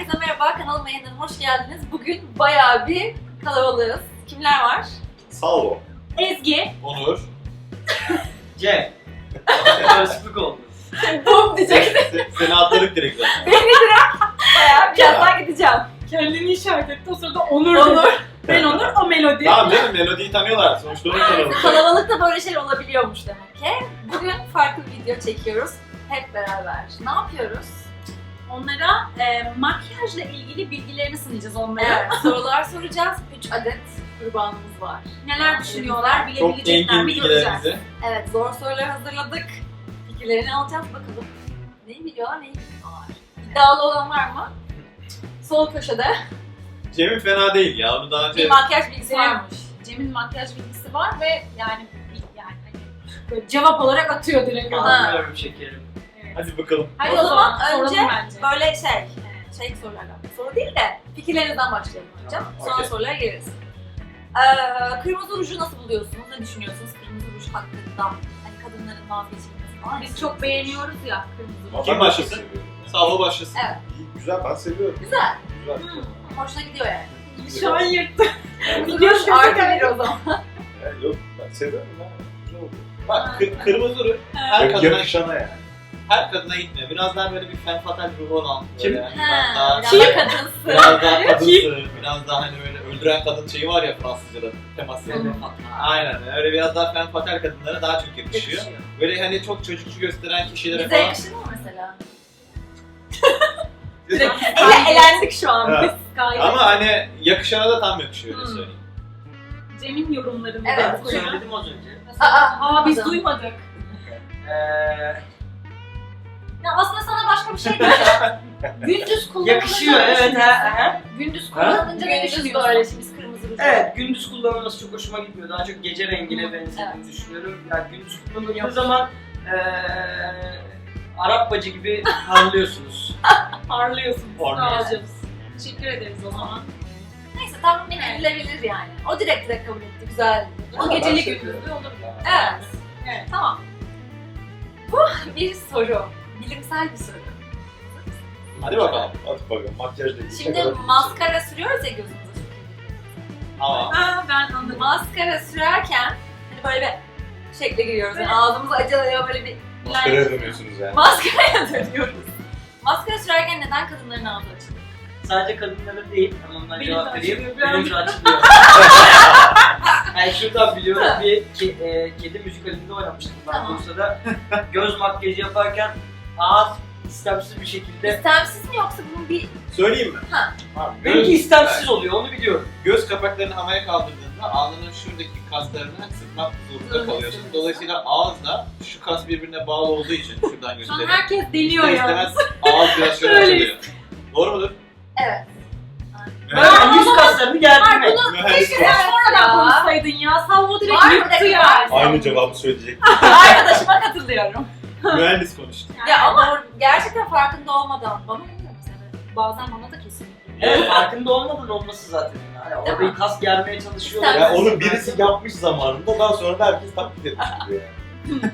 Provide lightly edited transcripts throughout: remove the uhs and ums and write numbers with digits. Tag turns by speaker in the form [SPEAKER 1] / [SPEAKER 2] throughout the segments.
[SPEAKER 1] Herkese merhaba, kanalıma yeniden hoş geldiniz. Bugün bayağı bir kalabalığız. Kimler var?
[SPEAKER 2] Salvo.
[SPEAKER 3] Ezgi.
[SPEAKER 2] Onur.
[SPEAKER 4] Cem. Karışıklık oldu.
[SPEAKER 1] Bum diyecektim.
[SPEAKER 2] Seni atladık direkt zaten.
[SPEAKER 1] Bayağı birazdan gideceğim.
[SPEAKER 3] Kendini işaret etti. O sırada Onur. Ben Onur, o Melodi.
[SPEAKER 2] Tamam canım, Melodi'yi tanıyorlar. Sonuçta onun kanalı.
[SPEAKER 1] Kalabalıkta böyle şeyler olabiliyormuş demek ki. Bugün farklı bir video çekiyoruz. Hep beraber. Ne yapıyoruz?
[SPEAKER 3] Onlara makyajla ilgili bilgilerini sınayacağız onlara.
[SPEAKER 1] Evet, sorular soracağız. 3 adet kurbanımız var.
[SPEAKER 3] Neler düşünüyorlar,
[SPEAKER 2] Çok
[SPEAKER 3] bilebilecekler
[SPEAKER 2] engin
[SPEAKER 3] mi göreceğiz.
[SPEAKER 2] bilgilerinizi.
[SPEAKER 1] Evet, zor sorular hazırladık. Fikirlerini alacağız bakalım. Neyi biliyorlar, neyi bilmiyorlar. İddialı olan var mı? Sol köşede
[SPEAKER 2] Cem'in fena değil ya. Onu daha
[SPEAKER 1] bir
[SPEAKER 2] önce...
[SPEAKER 1] makyaj bilgisi varmış.
[SPEAKER 3] Cem'in makyaj bilgisi var ve yani hani böyle cevap olarak atıyor direkt.
[SPEAKER 1] Ha.
[SPEAKER 4] Anlıyorum şekerim.
[SPEAKER 3] Evet.
[SPEAKER 2] Hadi bakalım.
[SPEAKER 1] Hadi o zaman
[SPEAKER 3] soralım
[SPEAKER 1] önce
[SPEAKER 3] bence.
[SPEAKER 1] böyle şey sorulardan. Soru değil de fikirlerinizden başlayalım önce. Sonra
[SPEAKER 2] okey.
[SPEAKER 1] sorulara geliriz. Kırmızı ruju nasıl buluyorsunuz? Ne düşünüyorsunuz kırmızı ruj hakkında? Hani kadınların vazgeçilmesi falan.
[SPEAKER 3] Biz çok beğeniyoruz ya kırmızı.
[SPEAKER 2] Kim başlasın? Salvo başlasın.
[SPEAKER 1] Evet.
[SPEAKER 5] İyi, güzel, ben seviyorum.
[SPEAKER 1] Güzel.
[SPEAKER 5] Güzel.
[SPEAKER 1] Hoşuna gidiyor yani.
[SPEAKER 3] Şu an yırttı.
[SPEAKER 1] Kırmızı
[SPEAKER 3] Biliyoruz
[SPEAKER 1] ruj
[SPEAKER 3] ki
[SPEAKER 1] artı
[SPEAKER 3] zaten.
[SPEAKER 1] bir o zaman.
[SPEAKER 5] Yok, ben seviyorum ya. Güzel oluyor.
[SPEAKER 2] Bak kırmızı ruj her kadına,
[SPEAKER 5] Yakışana yani.
[SPEAKER 2] her kadına gitmiyor. Biraz daha böyle bir femme fatale ruhu olan.
[SPEAKER 4] Kim?
[SPEAKER 2] Böyle biraz daha,
[SPEAKER 1] Biraz da kadınsı.
[SPEAKER 2] biraz daha kadınsı, biraz daha hani böyle öldüren kadın şeyi var ya Fransızca'da teması. Aynen öyle biraz daha femme fatale kadınlara daha çok yakışıyor. Böyle hani çok çocukçu gösteren kişilere
[SPEAKER 1] Bize
[SPEAKER 2] falan.
[SPEAKER 1] yakışır mı mesela?
[SPEAKER 3] Direkt
[SPEAKER 1] Elendik şu an
[SPEAKER 2] Evet.
[SPEAKER 1] biz.
[SPEAKER 3] gayet.
[SPEAKER 2] Ama hani yakışana da tam yakışıyor öyle söyleyeyim.
[SPEAKER 3] Cem'in yorumlarını
[SPEAKER 1] Evet,
[SPEAKER 3] da koyalım.
[SPEAKER 4] Söyledim az önce.
[SPEAKER 3] Aa biz
[SPEAKER 1] duymadım.
[SPEAKER 3] duymadık.
[SPEAKER 1] Ya aslında sana başka bir şey diyeceğim. Gündüz kullanılınca
[SPEAKER 4] Yakışıyor
[SPEAKER 1] ne
[SPEAKER 4] evet.
[SPEAKER 1] düşünüyorsun?
[SPEAKER 3] Gündüz
[SPEAKER 4] Ha?
[SPEAKER 3] kullanınca ne
[SPEAKER 1] Gündüz
[SPEAKER 3] düşünüyorsun?
[SPEAKER 1] böyle şimdi biz kırmızı ruj.
[SPEAKER 4] Evet, gündüz kullanılması çok hoşuma gitmiyor. Daha çok gece rengine benzediğini düşünüyorum. Yani gündüz kullanıldığı zaman Arap bacı gibi parlıyorsunuz.
[SPEAKER 3] Parlıyorsun.
[SPEAKER 2] Parlıyorsun.
[SPEAKER 3] Sağ olun. Teşekkür ederiz o zaman.
[SPEAKER 1] Neyse tahmin edilebilir yani. O direkt kabul etti. Güzel.
[SPEAKER 3] O
[SPEAKER 5] Ben
[SPEAKER 3] geceli
[SPEAKER 5] seviyorum.
[SPEAKER 3] gündüzlü olur.
[SPEAKER 1] Evet.
[SPEAKER 3] Evet.
[SPEAKER 1] Tamam. Bu bir soru. Bilimsel bir soru.
[SPEAKER 2] Hadi bakalım.
[SPEAKER 5] Hadi bakalım, makyajla ilgili. ne
[SPEAKER 1] Şimdi
[SPEAKER 5] kadar
[SPEAKER 1] maskara sürüyoruz ya gözümüze.
[SPEAKER 2] Ama
[SPEAKER 3] Ha ben anladım.
[SPEAKER 1] Maskara sürerken hani böyle bir şekle giriyoruz. Yani ağzımız acılıyor böyle bir
[SPEAKER 5] maskaraya dönüyorsunuz yani.
[SPEAKER 1] maskaraya dönüyoruz. Maskara sürerken neden kadınların ağzı açılıyor?
[SPEAKER 4] Sadece kadınlara değil, hemen ben
[SPEAKER 3] Benim
[SPEAKER 4] cevap
[SPEAKER 3] de
[SPEAKER 4] vereyim.
[SPEAKER 3] açılıyor,
[SPEAKER 4] Benim de açılıyor. Yani şuradan biliyorum bir kedi müzikalinde oynamıştım ben
[SPEAKER 1] Tamam.
[SPEAKER 4] Bursa'da. Göz makyajı yaparken ağız istemsiz bir şekilde...
[SPEAKER 1] İstemsiz mi yoksa bunun bir...
[SPEAKER 2] söyleyeyim mi?
[SPEAKER 5] Ha,
[SPEAKER 4] Benimki istemsiz oluyor, onu biliyorum.
[SPEAKER 2] Göz kapaklarını havaya kaldırdığında alnının şuradaki kaslarını sıkmak zorunda kalıyorsun. Dolayısıyla ağızla şu kas birbirine bağlı olduğu için şuradan
[SPEAKER 3] Şu an
[SPEAKER 2] gösterelim.
[SPEAKER 3] herkes deniyor
[SPEAKER 2] İster
[SPEAKER 3] ya.
[SPEAKER 2] istemez ağız biraz şöyle
[SPEAKER 3] Öyleyiz.
[SPEAKER 2] açılıyor. Doğru mudur?
[SPEAKER 1] Evet.
[SPEAKER 4] Böyle yüz kaslarını gerdirmek.
[SPEAKER 1] Keşke
[SPEAKER 3] Sen
[SPEAKER 1] sen
[SPEAKER 3] sonradan konuşsaydın ya. Salvo direkt
[SPEAKER 1] Var mı
[SPEAKER 3] yırttı
[SPEAKER 1] dakika?
[SPEAKER 3] yani.
[SPEAKER 5] Aynı cevabı söyleyecek.
[SPEAKER 1] Arkadaşıma katılıyorum.
[SPEAKER 2] Mühendis konuştu.
[SPEAKER 1] Ya ama gerçekten farkında olmadan bana bilmiyorum seni. Bazen bana da kesinlikle.
[SPEAKER 4] Evet, farkında olmadan olması zaten. Yani
[SPEAKER 1] Değil
[SPEAKER 4] orayı
[SPEAKER 1] mi?
[SPEAKER 4] kas germeye çalışıyorlar.
[SPEAKER 1] İstemsiz.
[SPEAKER 5] Yani onu birisi yapmış zamanında, daha sonra da herkes taklit etmiş gibi yani.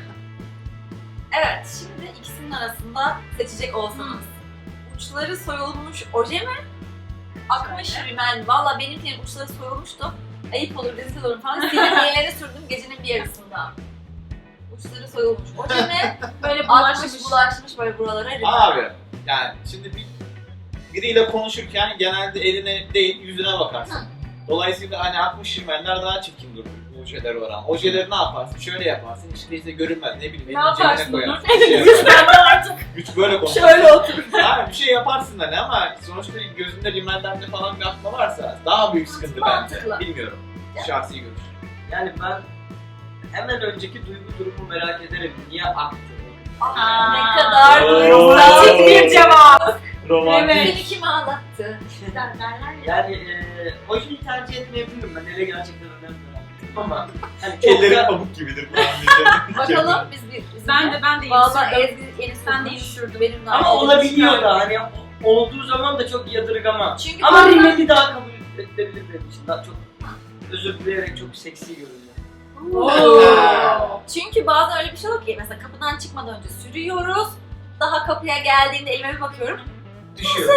[SPEAKER 1] Evet, şimdi ikisinin arasında seçecek olsanız. Uçları soyulmuş oje mi? Akmış rimel. Valla benimkinin uçları soyulmuştu. Ayıp olur, rezil olurum falan. Silinyeleri sürdüm gecenin bir yarısında. Uçları soyulmuş oje mi?
[SPEAKER 3] Böyle
[SPEAKER 1] Akmış
[SPEAKER 3] bulaşmış.
[SPEAKER 1] bulaşmış böyle buralara rimel.
[SPEAKER 2] Abi yani şimdi biriyle konuşurken genelde eline değil yüzüne bakarsın. Dolayısıyla hani 60 rimeller daha çirkin durur ojeler oran. Ojeleri ne yaparsın? Şöyle yaparsın işte görünmez ne bileyim
[SPEAKER 3] Ne
[SPEAKER 2] elini cebine
[SPEAKER 3] yaparsın
[SPEAKER 2] koyarsın.
[SPEAKER 3] Onur?
[SPEAKER 2] Bir şey
[SPEAKER 3] Güç
[SPEAKER 2] yaparsın.
[SPEAKER 3] bende artık.
[SPEAKER 2] Güç böyle konuşur.
[SPEAKER 1] Şöyle otur.
[SPEAKER 2] Abi bir şey yaparsın hani ama sonuçta gözünde rimellerle falan bir akma varsa daha büyük sıkıntı
[SPEAKER 1] Mantıklı.
[SPEAKER 2] bence. Bilmiyorum. Şahsi görüş.
[SPEAKER 4] Yani ben hemen önceki duygu durumu merak ederim. Niye aktı?
[SPEAKER 1] Aa, ne kadar
[SPEAKER 2] Oo.
[SPEAKER 1] duygusal
[SPEAKER 3] Bir cevap.
[SPEAKER 5] Romantik.
[SPEAKER 3] Evet.
[SPEAKER 1] Seni kim ağlattı? Derler ya.
[SPEAKER 4] Yani ojeyi tercih etmeyebilirim ben. Ele gerçekten önemli. Ama hani çok
[SPEAKER 5] Elleri
[SPEAKER 4] da
[SPEAKER 5] pamuk gibidir falan diyeceğim.
[SPEAKER 1] Bakalım biz
[SPEAKER 3] Ben de yeni
[SPEAKER 1] Valla
[SPEAKER 3] sürdüm.
[SPEAKER 1] Ezgi yeni
[SPEAKER 3] Ben de
[SPEAKER 1] sürmüş.
[SPEAKER 3] yeni sürdüm.
[SPEAKER 1] Benim de
[SPEAKER 4] ama
[SPEAKER 1] aynı
[SPEAKER 4] olabiliyor
[SPEAKER 1] elim
[SPEAKER 4] da hani olduğu zaman da çok yadırgamam.
[SPEAKER 1] Çünkü
[SPEAKER 4] Ama
[SPEAKER 1] bazen-
[SPEAKER 4] rimeli daha kabul edilebilir benim için. Daha çok özür dileyerek çok seksi görünüyor.
[SPEAKER 3] Oo.
[SPEAKER 1] Çünkü bazen öyle bir şey oluyor ki mesela kapıdan çıkmadan önce sürüyoruz. Daha kapıya geldiğimde elime bir bakıyorum.
[SPEAKER 4] Düşüyor.
[SPEAKER 1] Hani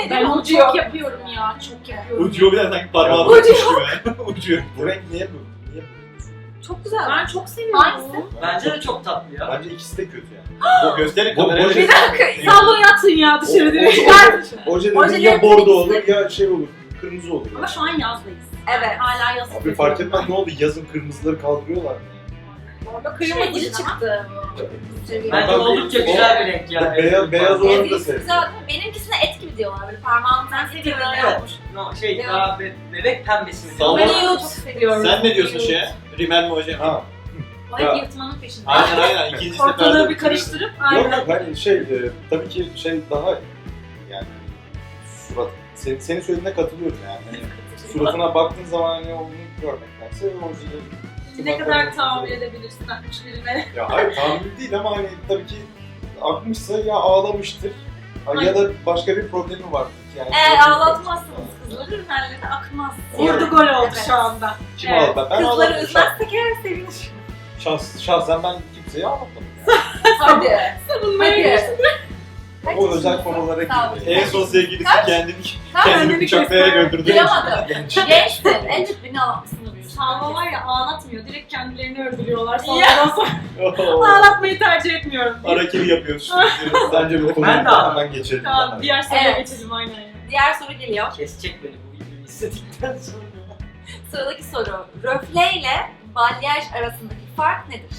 [SPEAKER 1] ederim
[SPEAKER 3] Ben onu
[SPEAKER 1] ucuyor.
[SPEAKER 3] çok yapıyorum ya. Çok yapıyorum.
[SPEAKER 2] Ucuyor bir de sanki parmağı
[SPEAKER 1] Ucuyor.
[SPEAKER 2] bırakmış gibi. Ucuyor.
[SPEAKER 5] Bu renk niye bu? Niye bu?
[SPEAKER 1] Çok güzel.
[SPEAKER 3] Ben çok seviyorum.
[SPEAKER 1] Hangisi?
[SPEAKER 4] Bence de çok tatlı ya.
[SPEAKER 5] Bence ikisi de kötü yani.
[SPEAKER 2] Bu gösterin
[SPEAKER 5] Bu-
[SPEAKER 2] kameraya.
[SPEAKER 5] bu-
[SPEAKER 1] Bir dakika.
[SPEAKER 3] Salon yatın ya dışarı direkt.
[SPEAKER 5] Oje
[SPEAKER 1] Ojelerin
[SPEAKER 5] dediğin ya bordo
[SPEAKER 1] ikisi
[SPEAKER 5] olur ya şey olur, kırmızı olur.
[SPEAKER 3] Ama şu an yazdayız.
[SPEAKER 1] Evet.
[SPEAKER 3] Hala yaz.
[SPEAKER 5] Abi fark etmez ne oldu, yazın kırmızıları kaldırıyorlar mı?
[SPEAKER 1] Orada kırmızı çıktı.
[SPEAKER 4] Bence
[SPEAKER 5] Ben-
[SPEAKER 4] oldukça güzel bir renk ya.
[SPEAKER 5] Beyaz olanı da
[SPEAKER 1] Ezgisi
[SPEAKER 5] sevdim.
[SPEAKER 1] güzel. Benimkisine et gibi diyorlar. Böyle parmağını sen seviyorsun.
[SPEAKER 4] Evet. No, şey daha bebek pembesi mi?
[SPEAKER 2] Salon-
[SPEAKER 1] Ben
[SPEAKER 2] Ama-
[SPEAKER 1] çok seviyorum.
[SPEAKER 2] Sen ne diyorsun şeye? Rimel mi oje mi?
[SPEAKER 5] Ha.
[SPEAKER 3] O hep yırtmanın peşinde.
[SPEAKER 2] Aynen. İkinci
[SPEAKER 3] Ortalığı
[SPEAKER 2] seferde
[SPEAKER 3] bir karıştırıp
[SPEAKER 5] Yok
[SPEAKER 3] aynen.
[SPEAKER 5] ben tabii ki şey daha yani surat, senin söylediğine katılıyorum yani. Hani suratına baktığın zaman hani onu görmektense ojeleri.
[SPEAKER 3] Ne kadar tahammül edebilirsin 60'lerine.
[SPEAKER 5] Ya hayır tahammül değil ama hani tabii ki akmışsa ya ağlamıştır ya da başka bir problemi vardır. Yani
[SPEAKER 1] Eğer ağlatmazsanız kızları ürünlerine akmaz.
[SPEAKER 3] Vurdu gol oldu
[SPEAKER 1] Evet.
[SPEAKER 3] şu anda.
[SPEAKER 5] Kim
[SPEAKER 3] Evet.
[SPEAKER 5] ağladı? Ben
[SPEAKER 1] Kızları
[SPEAKER 5] ağladım.
[SPEAKER 1] üzmezsek eğer sevinir.
[SPEAKER 5] Şahsen ben kimseye ağlatmadım.
[SPEAKER 1] Hadi.
[SPEAKER 3] Savunmaya
[SPEAKER 1] Hadi.
[SPEAKER 3] girsin.
[SPEAKER 5] O özel konulara
[SPEAKER 1] Sağ ol.
[SPEAKER 5] girdi.
[SPEAKER 2] En son sevgilisi kendini
[SPEAKER 3] Kendini
[SPEAKER 2] bıçaklayarak
[SPEAKER 3] göster.
[SPEAKER 2] öldürdü.
[SPEAKER 1] Duyamadım.
[SPEAKER 5] Genç.
[SPEAKER 1] Gençsin. En çok beni ağlatmasını biliyorsun.
[SPEAKER 3] Salma var ya ağlatmıyor. Direkt kendilerini öldürüyorlar.
[SPEAKER 1] Ya.
[SPEAKER 3] Sonradan sonra ağlatmayı tercih etmiyorum.
[SPEAKER 2] Harakiri yapıyorsun.
[SPEAKER 5] Bence bu konuyu
[SPEAKER 4] Ben de
[SPEAKER 5] hemen geçelim.
[SPEAKER 3] Tamam diğer soruya
[SPEAKER 1] Evet.
[SPEAKER 3] geçelim aynen.
[SPEAKER 1] Diğer soru geliyor.
[SPEAKER 4] Kesecek beni bu videoyu istedikten sonra.
[SPEAKER 1] Sıradaki soru. Röfle ile balyaj arasındaki fark nedir?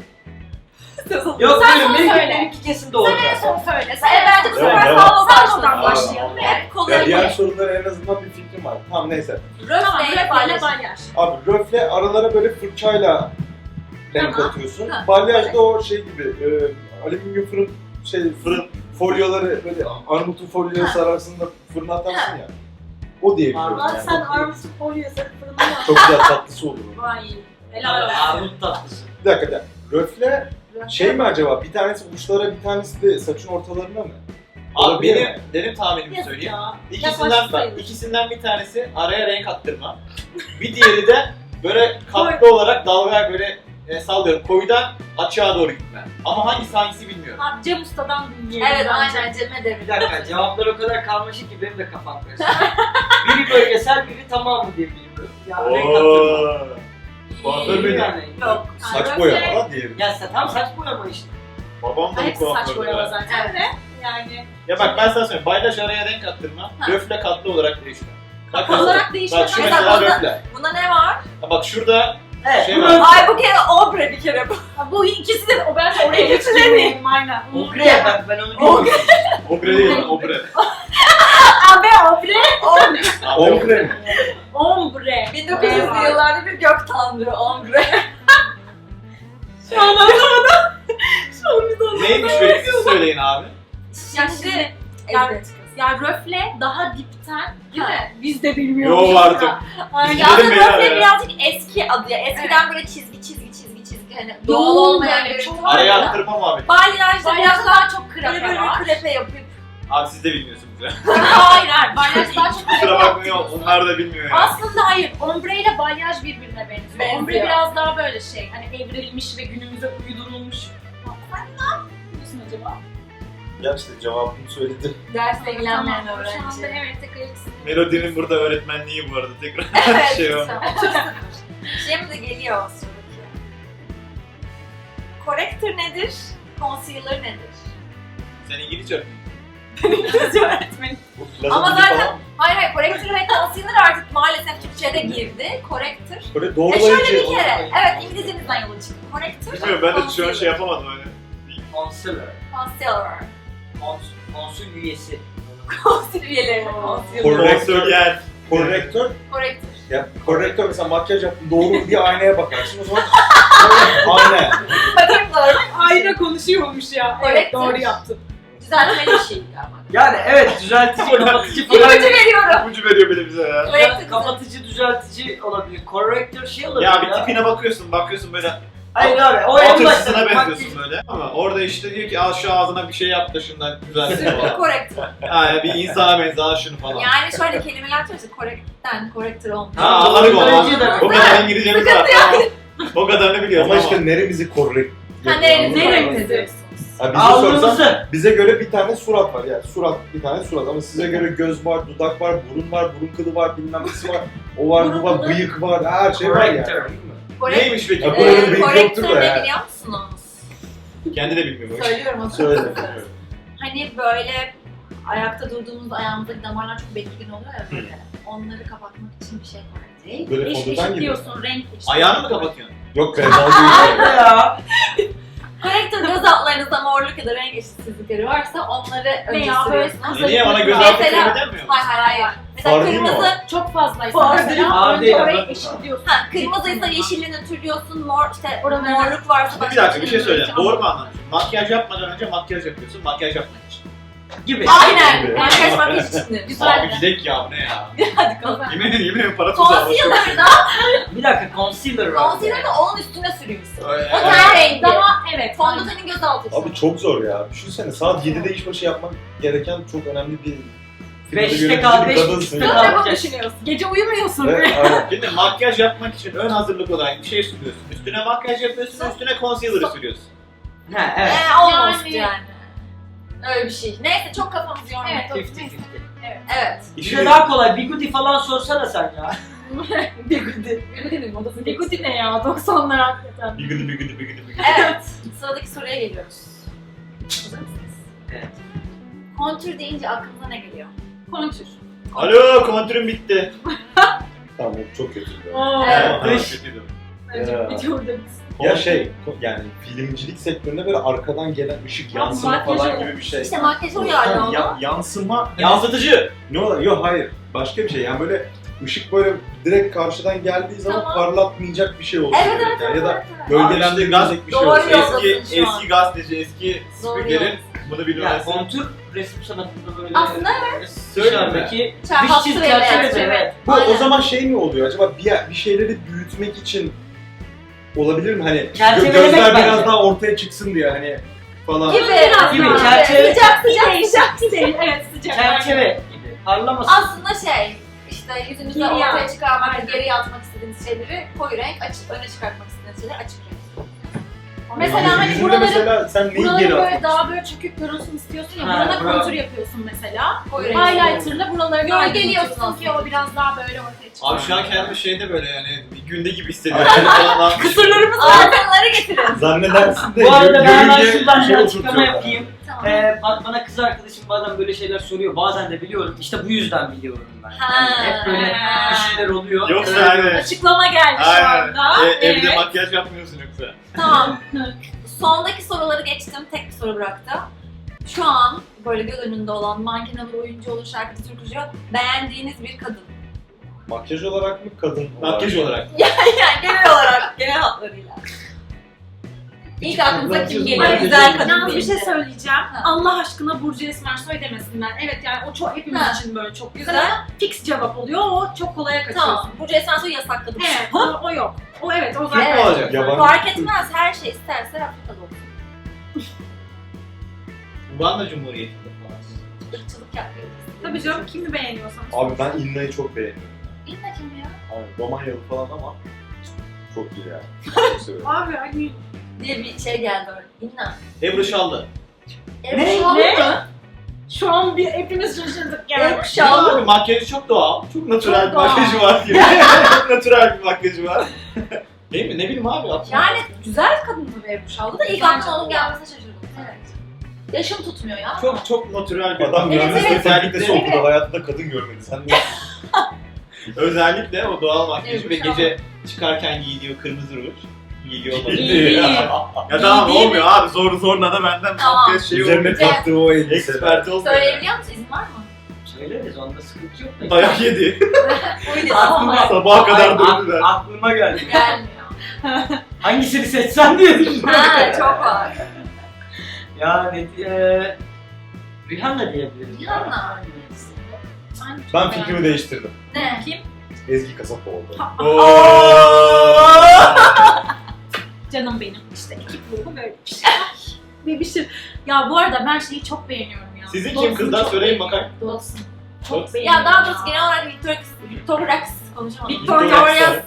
[SPEAKER 4] Yok
[SPEAKER 3] Sen
[SPEAKER 4] buyurun
[SPEAKER 3] son
[SPEAKER 4] benimki,
[SPEAKER 3] söyle.
[SPEAKER 4] benimki kesin doğru.
[SPEAKER 3] Sen en son söyle.
[SPEAKER 1] Evet, bence bu sefer
[SPEAKER 5] Devam.
[SPEAKER 1] Salvo'dan
[SPEAKER 3] başlayalım.
[SPEAKER 1] başlayalım. Evet,
[SPEAKER 5] Ya
[SPEAKER 1] konuya
[SPEAKER 5] diğer
[SPEAKER 1] gir.
[SPEAKER 5] sorulara en azından bir fikrim var. Tamam neyse.
[SPEAKER 3] Tamam,
[SPEAKER 1] Röfle ile
[SPEAKER 3] röfle
[SPEAKER 1] balyaj.
[SPEAKER 3] balyaj.
[SPEAKER 5] Abi röfle aralara böyle fırçayla renk
[SPEAKER 1] Tamam.
[SPEAKER 5] atıyorsun.
[SPEAKER 1] Ha.
[SPEAKER 5] Balyaj da o şey gibi alüminyum fırın folyoları böyle armutun folyoya
[SPEAKER 1] Ha.
[SPEAKER 5] sararsın da fırına atarsın ya. O diyebiliyorum
[SPEAKER 3] Lan
[SPEAKER 5] yani.
[SPEAKER 3] sen armutu folyoya sarıp fırına mı
[SPEAKER 5] Çok güzel tatlısı olur o.
[SPEAKER 3] Vay. Helal olsun.
[SPEAKER 4] Armut tatlısı.
[SPEAKER 5] Bir dakika. Röfle şey mi acaba? Bir tanesi uçlara, bir tanesi de saçın ortalarına mı?
[SPEAKER 2] Abi
[SPEAKER 5] Olabilir
[SPEAKER 2] benim,
[SPEAKER 5] mi?
[SPEAKER 2] benim tahminimi
[SPEAKER 3] Yazık
[SPEAKER 2] söyleyeyim.
[SPEAKER 3] ya.
[SPEAKER 2] İkisinden
[SPEAKER 3] Yaklaşık
[SPEAKER 2] bak,
[SPEAKER 3] sayılır.
[SPEAKER 2] ikisinden bir tanesi araya renk attırma. Bir diğeri de böyle katlı olarak dalga böyle sallıyorum koyudan açığa doğru gitme. Ama hangisi bilmiyorum.
[SPEAKER 3] Abi Cem Usta'dan dinleyelim.
[SPEAKER 1] Evet,
[SPEAKER 3] bence.
[SPEAKER 1] aynen Cem'e de.
[SPEAKER 4] Bir dakika cevaplar o kadar karmaşık ki benim de kafam karıştı. Biri bölgesel biri tamamı diye biliyorum. Ya renk attırma.
[SPEAKER 2] Kuaför
[SPEAKER 4] İyi
[SPEAKER 2] beni.
[SPEAKER 4] yani.
[SPEAKER 1] Yok.
[SPEAKER 5] Saç
[SPEAKER 3] Röfle-
[SPEAKER 5] boyama lan diyelim.
[SPEAKER 4] Ya tam saç boyama işte.
[SPEAKER 2] Babam da bu
[SPEAKER 3] Hepsi saç
[SPEAKER 2] kuafördü.
[SPEAKER 3] boyama
[SPEAKER 2] ya.
[SPEAKER 3] zaten
[SPEAKER 1] Evet.
[SPEAKER 3] de. Yani
[SPEAKER 2] Ya bak ben sana söyleyeyim. Balyaj araya renk attırma.
[SPEAKER 1] Ha.
[SPEAKER 2] Röfle katlı olarak değişme. Bak,
[SPEAKER 3] olarak
[SPEAKER 2] bak şu
[SPEAKER 3] değişmez.
[SPEAKER 1] Mesela
[SPEAKER 2] mesela
[SPEAKER 1] bunda-
[SPEAKER 2] röfle.
[SPEAKER 1] Bunda ne var?
[SPEAKER 2] Ha, bak şurada
[SPEAKER 4] Evet.
[SPEAKER 2] Şey
[SPEAKER 4] bu
[SPEAKER 2] var.
[SPEAKER 4] röfle.
[SPEAKER 1] Ay bu kere obre bir kere bu.
[SPEAKER 3] bu ikisi de o bence oraya
[SPEAKER 1] İkisi de
[SPEAKER 3] geçirmeyeyim aynen.
[SPEAKER 4] Ogre ben onu bilmiyorum.
[SPEAKER 2] obre değil lan obre.
[SPEAKER 3] Abi obre.
[SPEAKER 5] Ombre mi?
[SPEAKER 3] Ombre.
[SPEAKER 1] 1900'lü yıllarda bir gök tanrı ombre.
[SPEAKER 3] Şu an anlamadım. Şu an bir de
[SPEAKER 2] Neymiş be siz söyleyin abi.
[SPEAKER 3] Şimdi
[SPEAKER 1] Evet.
[SPEAKER 3] ya röfle daha dipten değil mi? Biz de bilmiyoruz.
[SPEAKER 2] Yo artık.
[SPEAKER 3] Aynen.
[SPEAKER 2] Gidelim
[SPEAKER 1] Aslında
[SPEAKER 2] beyler
[SPEAKER 1] röfle
[SPEAKER 2] ya.
[SPEAKER 1] birazcık eski adı ya. Eskiden böyle çizgi hani doğal
[SPEAKER 3] Yoğun
[SPEAKER 1] olmayan
[SPEAKER 3] böyle,
[SPEAKER 1] görüntü
[SPEAKER 3] çok
[SPEAKER 1] var
[SPEAKER 2] Araya
[SPEAKER 1] ya.
[SPEAKER 2] attırma muhabbeti.
[SPEAKER 1] Balyajda biraz
[SPEAKER 3] Balyajda
[SPEAKER 1] daha
[SPEAKER 3] daha çok
[SPEAKER 1] böyle
[SPEAKER 3] krepe
[SPEAKER 1] böyle
[SPEAKER 3] var.
[SPEAKER 1] bir krepe yapıp.
[SPEAKER 2] Abi siz de bilmiyorsunuz ya.
[SPEAKER 3] Hayır hayır. Balyaj daha çok krepe
[SPEAKER 2] Kusura bakmayın
[SPEAKER 3] yapıyorsun.
[SPEAKER 2] onlar da bilmiyor ya.
[SPEAKER 3] Aslında hayır. Ombre ile balyaj birbirine benziyor.
[SPEAKER 1] Benziyor.
[SPEAKER 3] Ombre biraz daha böyle şey. Hani evrilmiş ve günümüze uydurulmuş. Sen ne yapıyorsun acaba?
[SPEAKER 5] Ya işte cevabını söyledim.
[SPEAKER 1] Dersle ilgilenmeyen
[SPEAKER 3] Tamam, Şu anda
[SPEAKER 1] öğrenci.
[SPEAKER 3] evet tekrar ikisi.
[SPEAKER 2] Melodi'nin burada öğretmenliği bu arada tekrar
[SPEAKER 1] Evet.
[SPEAKER 2] şey o.
[SPEAKER 1] Şimdi geliyor o sıradaki. Corrector nedir? Concealer nedir?
[SPEAKER 2] Sen İngilizce öğretmen.
[SPEAKER 3] İngilizce öğretmeni.
[SPEAKER 1] Ama zaten hayır corrector ve concealer artık maalesef Türkçe'de girdi. Corrector.
[SPEAKER 5] Böyle
[SPEAKER 1] Şöyle
[SPEAKER 5] doğrulayıcı.
[SPEAKER 1] bir kere. Evet İngilizcemizden yola çıktı. Corrector.
[SPEAKER 2] Bilmiyorum ben de şu an
[SPEAKER 1] concealer.
[SPEAKER 2] şey yapamadım hani.
[SPEAKER 4] Concealer.
[SPEAKER 1] Concealer.
[SPEAKER 4] Konsül üyesi.
[SPEAKER 1] Concealer üyeleri. Concealer.
[SPEAKER 2] Korrektör yer.
[SPEAKER 5] Korrektör.
[SPEAKER 1] Corrector.
[SPEAKER 5] Ya korrektör mesela makyaj yaptın doğru bir aynaya bakarsın o zaman ayna.
[SPEAKER 1] Bakayım doğru.
[SPEAKER 3] Ayna konuşuyormuş ya. Evet
[SPEAKER 1] Corrector.
[SPEAKER 3] doğru yaptın.
[SPEAKER 1] Düzeltmeli bir şey ama.
[SPEAKER 4] Yani evet düzeltici, kapatıcı
[SPEAKER 1] İpucu
[SPEAKER 4] falan.
[SPEAKER 1] veriyorum.
[SPEAKER 2] İpucu veriyor bile bize ya.
[SPEAKER 1] Corrector.
[SPEAKER 4] Kapatıcı, düzeltici olabilir. Corrector şey olabilir
[SPEAKER 2] Ya bir tipine bakıyorsun böyle
[SPEAKER 4] Hayır abi o en
[SPEAKER 2] atırsına
[SPEAKER 4] başta.
[SPEAKER 2] benziyorsun böyle. Ama orada işte diyor ki al şu ağzına bir şey yap da şundan güzel falan.
[SPEAKER 1] Corrector.
[SPEAKER 2] Ha bir insana benzer al şunu falan.
[SPEAKER 1] Yani şöyle kelimeler söylüyorsun. Correct'ten corrector olmuş.
[SPEAKER 2] Ha anladık o.
[SPEAKER 4] Düzeltici de-
[SPEAKER 2] O kadar İngilizcemiz var. Tamam. O kadarını biliyoruz
[SPEAKER 5] Ama
[SPEAKER 2] ama.
[SPEAKER 5] işte neremizi korrekt.
[SPEAKER 1] Ha, neremizi
[SPEAKER 3] Neremizi?
[SPEAKER 5] Ha, bize sorsan
[SPEAKER 4] Alnımızı.
[SPEAKER 5] bize göre bir tane surat var yani bir tane surat ama size göre göz var, dudak var, burun kılı var, bilmem nesi var, o var, bu var, bıyık var, her şey var yani.
[SPEAKER 4] Corrector.
[SPEAKER 2] Neymiş peki?
[SPEAKER 5] Ya bu arada bir
[SPEAKER 1] Korektör
[SPEAKER 5] yoktur da
[SPEAKER 1] ne
[SPEAKER 5] yani.
[SPEAKER 1] biliyor musunuz?
[SPEAKER 2] Kendi de bilmiyor.
[SPEAKER 1] Söylüyorum o
[SPEAKER 5] Söyle.
[SPEAKER 1] zaman. Hani böyle ayakta durduğumuzda ayağımızdaki damarlar çok belirgin oluyor ya böyle. Onları kapatmak için bir şey var.
[SPEAKER 5] Böyle
[SPEAKER 3] Eş
[SPEAKER 5] fondöten
[SPEAKER 3] eşit
[SPEAKER 5] gibi.
[SPEAKER 3] diyorsun, renk eşit.
[SPEAKER 2] Ayağını mı kapatıyorsun?
[SPEAKER 5] Yok kremalı değil.
[SPEAKER 4] Nerede ya?
[SPEAKER 1] Korektör göz altlarınızda morluk ya da renk eşitsizlikleri varsa onları önce
[SPEAKER 3] Veya böyle
[SPEAKER 1] sürüyorsunuz.
[SPEAKER 3] kısa
[SPEAKER 2] Niye bana göz
[SPEAKER 1] Mesela-
[SPEAKER 2] altı kremi demiyor musun?
[SPEAKER 1] Hayır. Mesela
[SPEAKER 5] Far değil mi o?
[SPEAKER 1] kırmızı,
[SPEAKER 3] Çok fazlaysa
[SPEAKER 1] Far
[SPEAKER 3] mesela
[SPEAKER 4] değil.
[SPEAKER 3] önce
[SPEAKER 4] Far
[SPEAKER 3] orayı
[SPEAKER 4] değil.
[SPEAKER 3] eşitliyorsun.
[SPEAKER 1] kırmızıysa yeşilini nötrlüyorsun, mor işte
[SPEAKER 3] Oraları-
[SPEAKER 1] morluk varsa
[SPEAKER 2] Bir dakika bir şey söyleyeceğim.
[SPEAKER 3] Tamam.
[SPEAKER 2] Doğru mu anlamışım? Makyaj yapmadan önce makyaj yapıyorsun. Makyaj yapmak için.
[SPEAKER 4] Gibi.
[SPEAKER 1] Aynen.
[SPEAKER 5] Gibi.
[SPEAKER 1] Makyaj makyaj içindir.
[SPEAKER 2] Abi
[SPEAKER 1] Güzel.
[SPEAKER 2] gidek ya bu ne ya?
[SPEAKER 1] Hadi kalın.
[SPEAKER 2] Yemin ederim para tuzağı.
[SPEAKER 1] Concealer'da,
[SPEAKER 4] Bir dakika concealer var.
[SPEAKER 1] concealer'da onun üstüne sürüyorsun.
[SPEAKER 2] Öyle.
[SPEAKER 1] O ten rengi.
[SPEAKER 3] Daha evet.
[SPEAKER 1] Fondötenin göz altı için.
[SPEAKER 5] Abi çok zor ya. Düşünsene saat 7'de işbaşı yapmak gereken çok önemli bir
[SPEAKER 4] Beşte
[SPEAKER 5] yönetici
[SPEAKER 4] kal,
[SPEAKER 5] bir
[SPEAKER 4] beş
[SPEAKER 5] kadınsın
[SPEAKER 4] buçukta
[SPEAKER 5] ya.
[SPEAKER 4] kal.
[SPEAKER 3] Ne
[SPEAKER 4] yapacağız?
[SPEAKER 3] düşünüyorsun? Gece uyumuyorsun.
[SPEAKER 5] Evet, aynen.
[SPEAKER 2] Şimdi makyaj yapmak için ön hazırlık olarak bir şey sürüyorsun. Üstüne makyaj yapıyorsun, üstüne concealer sürüyorsun.
[SPEAKER 4] Ha evet.
[SPEAKER 1] Almost
[SPEAKER 3] Yani-
[SPEAKER 1] yani. Öyle bir şey. Neyse çok kafamızı yormayın.
[SPEAKER 3] Evet.
[SPEAKER 4] 50-50.
[SPEAKER 1] Evet.
[SPEAKER 4] Bize daha kolay. Bigudi falan sorsana sen ya. Bigudi.
[SPEAKER 1] Bigudi'nin modası.
[SPEAKER 3] Bigudi ne ya? 90'lar hakikaten.
[SPEAKER 2] Bir günü.
[SPEAKER 1] Evet. Sıradaki soruya geliyoruz. Hazır mısınız?
[SPEAKER 4] Evet.
[SPEAKER 1] Kontür deyince aklınıza ne geliyor?
[SPEAKER 3] Kontür.
[SPEAKER 2] Alo, kontürüm bitti.
[SPEAKER 5] Tamam o çok kötü.
[SPEAKER 3] Oo.
[SPEAKER 1] Evet.
[SPEAKER 2] Tamam, kötüydü.
[SPEAKER 3] Bence
[SPEAKER 5] Ya.
[SPEAKER 3] videoda bitsin.
[SPEAKER 5] Ya şey yani filmcilik sektöründe böyle arkadan gelen ışık
[SPEAKER 3] Ya
[SPEAKER 5] yansıma
[SPEAKER 3] makyaj
[SPEAKER 5] falan
[SPEAKER 3] öyle.
[SPEAKER 5] gibi bir şey.
[SPEAKER 1] İşte makyaj uyarlı onu.
[SPEAKER 5] Yansıma
[SPEAKER 2] Yansıtıcı.
[SPEAKER 5] ne olur? Yok hayır. Başka bir şey. Yani böyle ışık böyle direkt karşıdan geldiği zaman
[SPEAKER 1] Tamam.
[SPEAKER 5] parlatmayacak bir şey olsun.
[SPEAKER 1] Evet evet
[SPEAKER 5] yani.
[SPEAKER 1] evet.
[SPEAKER 5] Ya da
[SPEAKER 1] evet.
[SPEAKER 5] gölgelendirecek bir şey
[SPEAKER 1] Doğru
[SPEAKER 5] olsun.
[SPEAKER 1] yoldasın
[SPEAKER 2] Eski
[SPEAKER 1] şu an.
[SPEAKER 2] eski gazeteci, eski
[SPEAKER 1] Doğru
[SPEAKER 2] spikerin
[SPEAKER 1] yoldasın.
[SPEAKER 2] bunu
[SPEAKER 4] Ya
[SPEAKER 2] bilmemesi.
[SPEAKER 4] kontür resim sanatında böyle
[SPEAKER 1] Aslında
[SPEAKER 4] dışarıdaki dış
[SPEAKER 1] Hattı
[SPEAKER 4] çiz
[SPEAKER 1] ve
[SPEAKER 4] çerçeve
[SPEAKER 1] çerçeve.
[SPEAKER 4] evet.
[SPEAKER 5] Bu o
[SPEAKER 1] Aynen.
[SPEAKER 5] zaman şey mi oluyor acaba bir şeyleri büyütmek için olabilir mi? Hani
[SPEAKER 4] Çerçevelemek
[SPEAKER 5] gözler
[SPEAKER 4] bence.
[SPEAKER 5] biraz daha ortaya çıksın diye hani falan.
[SPEAKER 1] Gibi.
[SPEAKER 3] Biraz
[SPEAKER 4] Gibi,
[SPEAKER 3] daha.
[SPEAKER 4] çerçeve-
[SPEAKER 1] Sıcak sıcak sıcak.
[SPEAKER 3] Değil, evet sıcak.
[SPEAKER 4] Çerçeve gibi. Parlamasın.
[SPEAKER 1] Aslında işte yüzünüzde
[SPEAKER 3] Geriye
[SPEAKER 1] ortaya
[SPEAKER 3] at.
[SPEAKER 1] çıkarmak,
[SPEAKER 3] Aynen.
[SPEAKER 1] geriye atmak istediğiniz şeyleri koyu renk, öne çıkartmak istediğiniz şeyleri açık renk.
[SPEAKER 3] Mesela hani
[SPEAKER 5] Yüzünde
[SPEAKER 3] buraları
[SPEAKER 5] mesela sen neyi
[SPEAKER 3] buraları
[SPEAKER 5] geri
[SPEAKER 3] böyle
[SPEAKER 5] atmak
[SPEAKER 3] daha böyle çökük görünsün istiyorsun ya.
[SPEAKER 4] Ha,
[SPEAKER 3] Burana
[SPEAKER 4] bravo.
[SPEAKER 3] kontür yapıyorsun mesela.
[SPEAKER 1] Koyu renk.
[SPEAKER 3] Highlighter'la buraları gölgeliyorsun
[SPEAKER 1] aydınlatıyorsun
[SPEAKER 3] ki o biraz daha böyle ortaya çıkıyor.
[SPEAKER 2] Abi şu an kendimi şeyde böyle yani bir günde gibi hissediyorum. Falan.
[SPEAKER 1] Kısırlarımız altınları getirin.
[SPEAKER 5] Zannedersin de
[SPEAKER 4] Bu arada ben hemen
[SPEAKER 5] görünce
[SPEAKER 4] şuradan bir açıklama
[SPEAKER 5] oturtuyorlar.
[SPEAKER 4] yapayım.
[SPEAKER 1] Tamam.
[SPEAKER 4] Bana kız arkadaşım bazen böyle şeyler soruyor. Bazen de biliyorum. İşte bu yüzden biliyorum ben.
[SPEAKER 1] Ha.
[SPEAKER 4] Yani hep böyle bir şeyler oluyor.
[SPEAKER 2] Yoksa yani
[SPEAKER 3] Açıklama geldi şu
[SPEAKER 2] Aynen.
[SPEAKER 3] anda.
[SPEAKER 2] Evde makyaj yapmıyorsun yoksa.
[SPEAKER 1] Tamam. Sondaki soruları geçtim. Tek bir soru bıraktım. Şu an böyle göz önünde olan manken olur, oyuncu olur, şarkıcı, türkücü beğendiğiniz bir kadın.
[SPEAKER 5] Makyaj olarak mı kadın
[SPEAKER 2] Makyaj olarak.
[SPEAKER 1] Yani genel olarak, genel hatlarıyla. İlk aklınıza kim geliyor?
[SPEAKER 4] Ay,
[SPEAKER 1] Güzel kadın
[SPEAKER 3] Yalnız bir şey
[SPEAKER 1] deyince.
[SPEAKER 3] söyleyeceğim.
[SPEAKER 1] Ha.
[SPEAKER 3] Allah aşkına Burcu Esmersoy demesinler. Evet yani o çok hepimiz
[SPEAKER 1] Ha.
[SPEAKER 3] için böyle çok güzel.
[SPEAKER 1] Güzel.
[SPEAKER 3] Ama fix cevap oluyor. O çok kolaya kaçıyorsun.
[SPEAKER 1] Tamam. Burcu Esmersoy'u yasakladım.
[SPEAKER 3] Evet, o yok. O evet, o
[SPEAKER 2] Türk
[SPEAKER 3] zaten.
[SPEAKER 2] mü olacak?
[SPEAKER 5] Yabancı.
[SPEAKER 1] Fark etmez. Her şey isterse Afrika'da olur.
[SPEAKER 2] Uganda Cumhuriyeti'nde falan.
[SPEAKER 1] Irkçılık yapıyoruz.
[SPEAKER 3] Tabii canım, kimi beğeniyorsan.
[SPEAKER 5] Abi ben İnna'yı çok beğeniyorum.
[SPEAKER 1] İlla kim ya?
[SPEAKER 5] Abi Romanyalı falan ama çok iyi yani. Çok seviyorum.
[SPEAKER 3] Abi hani
[SPEAKER 1] Diye bir şey geldi öyle. İnna.
[SPEAKER 2] Ebru Şallı.
[SPEAKER 1] Ebru Şallı
[SPEAKER 3] Ne?
[SPEAKER 1] mı?
[SPEAKER 3] şu an bir hepimiz şaşırdık yani.
[SPEAKER 1] Ebru Şallı.
[SPEAKER 2] Abi makyajı çok doğal. Çok natürel
[SPEAKER 3] Çok
[SPEAKER 2] bir
[SPEAKER 3] doğal.
[SPEAKER 2] makyajı var diyor. Çok natürel bir makyajı var. Değil mi? Ne bileyim abi. aklıma-
[SPEAKER 1] Yani güzel kadın tabii Ebru Şallı da ilk
[SPEAKER 3] Bence
[SPEAKER 1] aklıma onun
[SPEAKER 3] de.
[SPEAKER 1] gelmesine şaşırdım. Evet. Yaşım tutmuyor ya.
[SPEAKER 2] Çok natürel bir
[SPEAKER 5] Adam
[SPEAKER 1] Evet,
[SPEAKER 5] mühendislik
[SPEAKER 1] evet.
[SPEAKER 5] fakültesi
[SPEAKER 1] Evet.
[SPEAKER 5] okudu, hayatında kadın görmedi. Sen ne?
[SPEAKER 2] Özellikle o doğal makyajı
[SPEAKER 1] Ebru
[SPEAKER 2] ve
[SPEAKER 1] Şallı.
[SPEAKER 2] gece çıkarken giydiği o kırmızı ruj. Giydiği o
[SPEAKER 3] İyi.
[SPEAKER 2] Ya tamam
[SPEAKER 3] İyi değil
[SPEAKER 2] olmuyor abi. Zorla da benden
[SPEAKER 1] Tamam.
[SPEAKER 2] makyaj şeyi
[SPEAKER 5] Üzerine
[SPEAKER 2] olmuyor.
[SPEAKER 5] taktığı o elbiseler.
[SPEAKER 2] Expert olmuyor.
[SPEAKER 1] Söyleyebiliyor musun? İzin var mı?
[SPEAKER 4] Söyleriz, onda sıkıntı yok. da.
[SPEAKER 2] Dayak yedi.
[SPEAKER 1] Öyle
[SPEAKER 4] Aklıma-
[SPEAKER 2] Sabaha kadar
[SPEAKER 4] Ay,
[SPEAKER 2] dövdüler.
[SPEAKER 4] Aklıma geldi.
[SPEAKER 1] gelmiyor.
[SPEAKER 4] Hangisini seçsem diye düşünüyorum.
[SPEAKER 1] Ha çok var.
[SPEAKER 4] Yani Rihanna diyebiliriz.
[SPEAKER 1] Rihanna.
[SPEAKER 5] Ben fikrimi değiştirdim.
[SPEAKER 1] Ne?
[SPEAKER 3] Kim?
[SPEAKER 5] Ezgi Kasapoğlu.
[SPEAKER 3] Canım benim. İşte ekip ruhu böyle bir şey. Bir şey. Ya bu arada ben şeyi çok beğeniyorum ya.
[SPEAKER 2] Sizin kim
[SPEAKER 3] Dawson'u
[SPEAKER 2] kızlar
[SPEAKER 3] çok
[SPEAKER 2] söyleyin
[SPEAKER 3] beğeniyorum.
[SPEAKER 2] bakayım.
[SPEAKER 3] Dawson.
[SPEAKER 2] Dawson.
[SPEAKER 3] Çok beğeniyorum.
[SPEAKER 1] Ya daha doğrusu genel olarak Victoria's konuşamadım.
[SPEAKER 3] Victoria's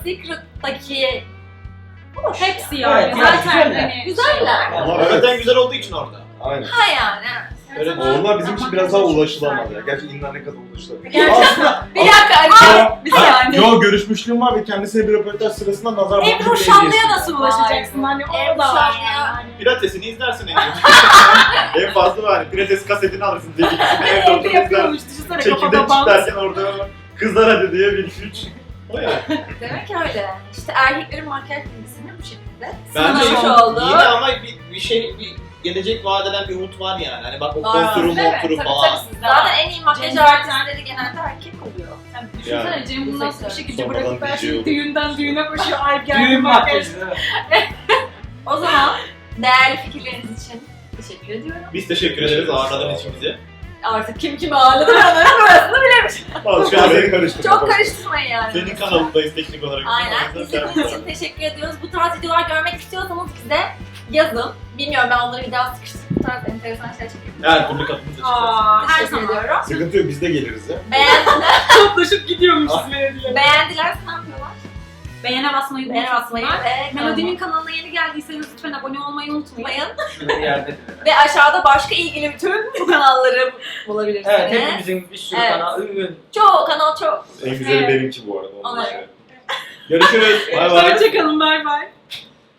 [SPEAKER 1] Secret'taki
[SPEAKER 3] hepsi yani.
[SPEAKER 4] Evet,
[SPEAKER 3] Zaten
[SPEAKER 4] güzeller.
[SPEAKER 3] hani
[SPEAKER 1] güzeller.
[SPEAKER 2] Hakikaten güzel olduğu için orada.
[SPEAKER 5] Aynen.
[SPEAKER 1] Ha yani.
[SPEAKER 2] Öyle
[SPEAKER 5] Onlar bizim için
[SPEAKER 3] Ama
[SPEAKER 5] biraz daha
[SPEAKER 3] çok
[SPEAKER 5] ulaşılamaz
[SPEAKER 3] güzel
[SPEAKER 5] ya. Gerçi illa ne kadar ulaşılabilir.
[SPEAKER 3] Gerçekten.
[SPEAKER 1] Bir dakika. Bir saniye.
[SPEAKER 5] Yo görüşmüşlüğüm var ve kendisine bir röportaj sırasında nazar boncuğu
[SPEAKER 3] Ebru
[SPEAKER 5] hediye
[SPEAKER 3] Şanlı'ya
[SPEAKER 5] ettim.
[SPEAKER 3] nasıl ulaşacaksın? Hani o
[SPEAKER 1] Ebru
[SPEAKER 3] da var
[SPEAKER 1] Şanlı'ya-
[SPEAKER 3] yani.
[SPEAKER 2] Pilatesini izlersin en fazla var. Pilates kasetini alırsın delikisini evde
[SPEAKER 3] Evde
[SPEAKER 2] oturursun.
[SPEAKER 3] yapıyormuş. Düşünsene
[SPEAKER 2] Çekirdek
[SPEAKER 3] kafada bant.
[SPEAKER 2] çitlerken orada kızlar hadi diye 1-2-3. O ya.
[SPEAKER 1] Demek ki öyle. İşte erkeklerin makyaj bilgisini bu şekilde
[SPEAKER 2] Bence
[SPEAKER 1] sınırmış oldu.
[SPEAKER 2] yine ama bir gelecek vaat eden bir umut var yani. Hani bak o
[SPEAKER 1] Var.
[SPEAKER 2] konturu
[SPEAKER 3] Evet,
[SPEAKER 2] monturu
[SPEAKER 1] Tabii
[SPEAKER 2] falan.
[SPEAKER 1] tabii siz zaten en iyi makyaj
[SPEAKER 3] Cem
[SPEAKER 1] artistleri genelde erkek oluyor.
[SPEAKER 3] Yani düşünsene
[SPEAKER 5] Yani.
[SPEAKER 3] Cem bundan sonra işi gücü
[SPEAKER 5] Sonradan
[SPEAKER 3] bırakıp her
[SPEAKER 5] DJ
[SPEAKER 3] şeyi
[SPEAKER 5] oluyor.
[SPEAKER 3] düğünden düğüne koşuyor. Ay geldi
[SPEAKER 4] Düğün
[SPEAKER 3] makyaj.
[SPEAKER 4] makyajı değil mi?
[SPEAKER 1] O zaman değerli fikirleriniz için teşekkür ediyorum.
[SPEAKER 2] Biz teşekkür ederiz ağırladığın için bizi.
[SPEAKER 1] Artık kim kimi ağırladı ben orasını bilemiş.
[SPEAKER 2] Şu an
[SPEAKER 5] Seni karıştırma.
[SPEAKER 1] Çok karıştırmayın yani.
[SPEAKER 2] senin kanalındayız teknik olarak.
[SPEAKER 1] Aynen. İzlediğiniz için teşekkür ediyoruz. Bu tarz videolar görmek istiyorsanız bize yazın. Bilmiyorum ben onları bir daha sıkıştırıp bu tarz enteresan şeyler çekeyim.
[SPEAKER 2] Her türlü kapımız açık.
[SPEAKER 3] Aa, her
[SPEAKER 1] Teşekkür
[SPEAKER 3] zaman.
[SPEAKER 1] ediyorum.
[SPEAKER 5] Sıkıntı yok biz de geliriz ya.
[SPEAKER 3] Toplaşıp gidiyormuşuz melodiyle.
[SPEAKER 1] Beğendilerse ne yapıyorlar?
[SPEAKER 3] Beğene basmayı
[SPEAKER 1] Beğen atmayı
[SPEAKER 3] unutmayın.
[SPEAKER 1] ve
[SPEAKER 3] Melodi'nin kanalına yeni geldiyseniz lütfen abone olmayı unutmayın.
[SPEAKER 1] unutmayın.
[SPEAKER 4] Şurada bir yerde.
[SPEAKER 1] Ve aşağıda başka ilgili bütün bu kanalları bulabilirsiniz.
[SPEAKER 4] Evet, hepimizin bir sürü
[SPEAKER 1] Evet.
[SPEAKER 4] kanal.
[SPEAKER 1] Çoğu kanal çok.
[SPEAKER 5] En güzeli
[SPEAKER 3] Evet.
[SPEAKER 5] benimki bu arada. onu da
[SPEAKER 1] Ona-
[SPEAKER 5] söyleyeyim.
[SPEAKER 2] Görüşürüz. Bay bay.
[SPEAKER 3] Hoşçakalın, bay bay.